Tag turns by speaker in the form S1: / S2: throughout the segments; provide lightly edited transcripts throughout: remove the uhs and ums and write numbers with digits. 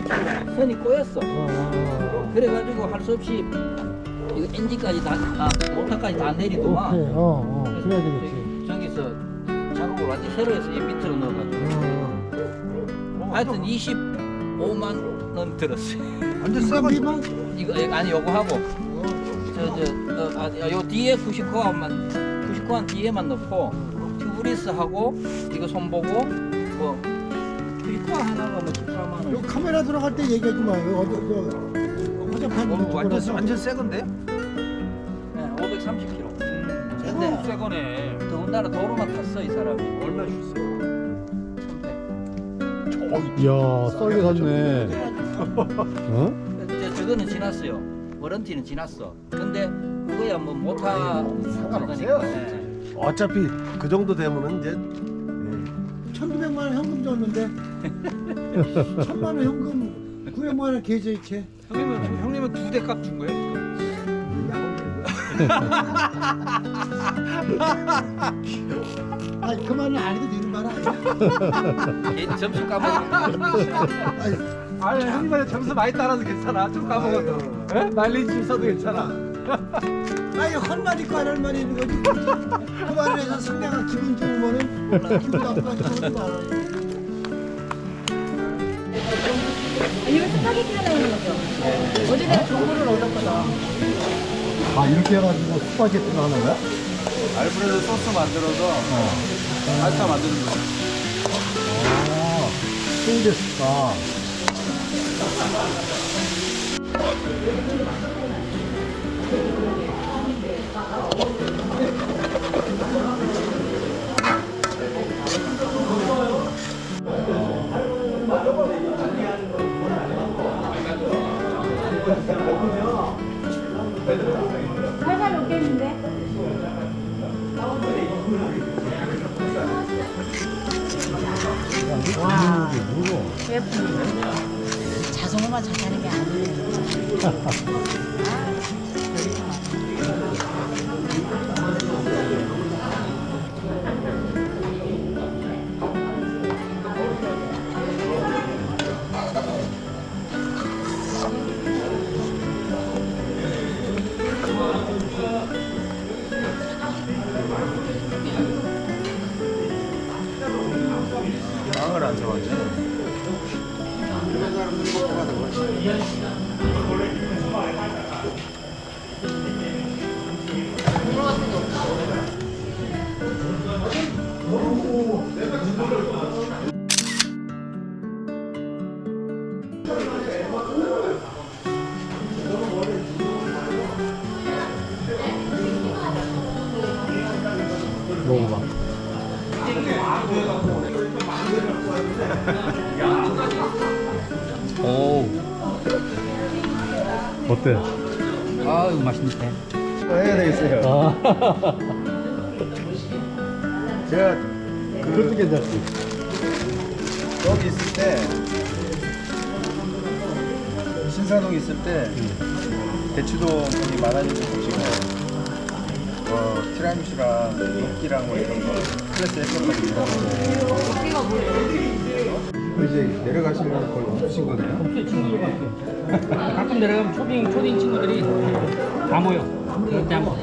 S1: 선이 꼬였어. 그래가지고 할 수 없이 이거 엔진까지 모터까지 다 내리더만.
S2: 그래야 되겠지.
S1: 저기서 작업을 완전 새로 해서 이 밑으로 넣어가지고. 하여튼 25만 원 들었어요.
S3: 완전 새 거지만.
S1: 이거 아니 요거 하고 요 뒤에 99만 뒤에만 넣고 튜브리스 하고 이거 손보고 뭐 튜브 하나가 뭐 14만 원.
S2: 요 카메라 들어갈 때 얘기하지 마요. 어디 화장판
S3: 완전 새 건데?
S1: 네, 530km.
S3: 근데 새 거네.
S1: 더군다나 도로만 탔어 이 사람이.
S3: 얼마 주셨어요?
S1: 1100.
S4: 이야 썰게 샀네. 어?
S1: 저거는 지났어요. 워런티는 지났어. 근데 그거야 뭐 못하
S3: 상관없어요.
S1: 네.
S3: 어차피 그 정도 되면은 이제
S2: 1,200만 원 현금 줬는데 1,000만 원 현금 900만 원 계좌 이체.
S3: 형님은 2대 값 준 거예요?
S2: 아니 그 말은 안 해도 되는 말 아니야?
S1: 점심 까먹어.
S3: 아니 형님한테 점수 많이 따라서 괜찮아. 좀 까먹어도. 마일리지 써도 괜찮아.
S2: 아니 할 말 있고 안 할 말이 있는 거지. 그 말을 해서 상대가 기분 좋으면은 기분 나쁘다고 하지 마.
S5: 이거 스파게티 하나 있는 거죠? 어제 내가 정보를 얻었거든.
S4: 아 이렇게 해가지고 스파게티를 하는 거야?
S3: 알프레도 소스 만들어서 파스타 만드는 거야.
S4: 아 스테인리스가.
S5: 살살 녹겠는데?
S4: 와 이게
S5: 자성어만 잘하는 게 아니에요.
S3: 빵을 안 좋아하지?
S4: 먹어봐.
S1: 오.
S4: 어때?
S1: 아유 맛있네.
S3: 해야 되겠어요.
S4: 아
S3: 제가
S4: 그것도 괜찮지.
S3: 여기 있을 때 신사동 있을 때 대추동 분이 많아지고 보시고 티라미수랑 녹기랑 뭐 이런 거 스트레스 했었거든요. 이제 내려가시면 거의 없으신 거네요?
S1: 가끔 내려가면 초딩 친구들이 다 모여. 그럴 때 한번.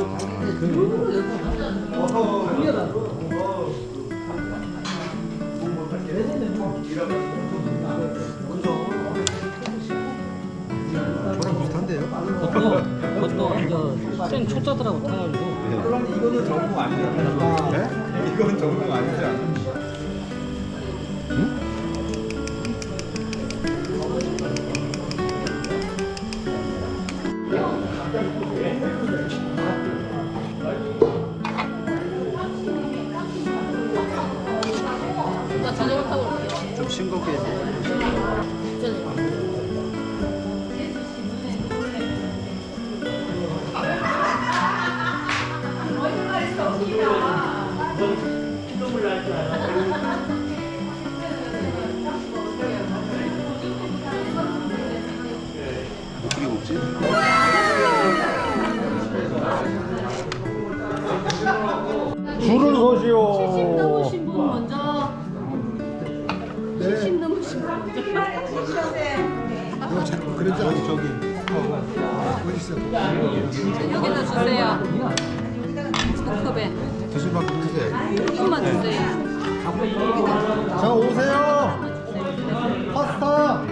S3: 저랑 비슷한데요?
S1: 그것도 생 초짜들하고 타가지고.
S3: 이거는 전공 아니죠? 네? 이건 전공 아니지 않아요?
S5: 나 자전거 타고 올게요.
S3: 좀 싱겁게 어떻게 먹지?
S4: 줄을 서시오.
S5: 70 넘으신 분 먼저
S2: 네.
S5: 넘으신 분 먼저.
S2: 이거 자꾸 그러지 않아 저기. 어디 있어?
S5: 여기다 주세요. 두 컵에.
S3: 드실 만큼 드세요.
S5: 조금만 주세요.
S4: 자, 오세요. 파스타.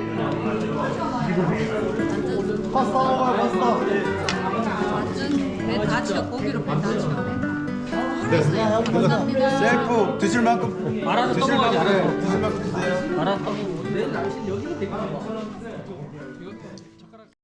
S4: 파스타 먹어요, 파스타.
S5: 완전 배다 치워. 고기로 배다 치워.
S3: 네.
S5: 감사합니다.
S3: 셀프 드실 만큼
S1: 말아서
S3: 드실
S1: 떠먹어야지.
S3: 만큼 드실 만큼 드세요.
S1: 말아서 떠먹고. 내일 날씨 여기가 되게 좋아.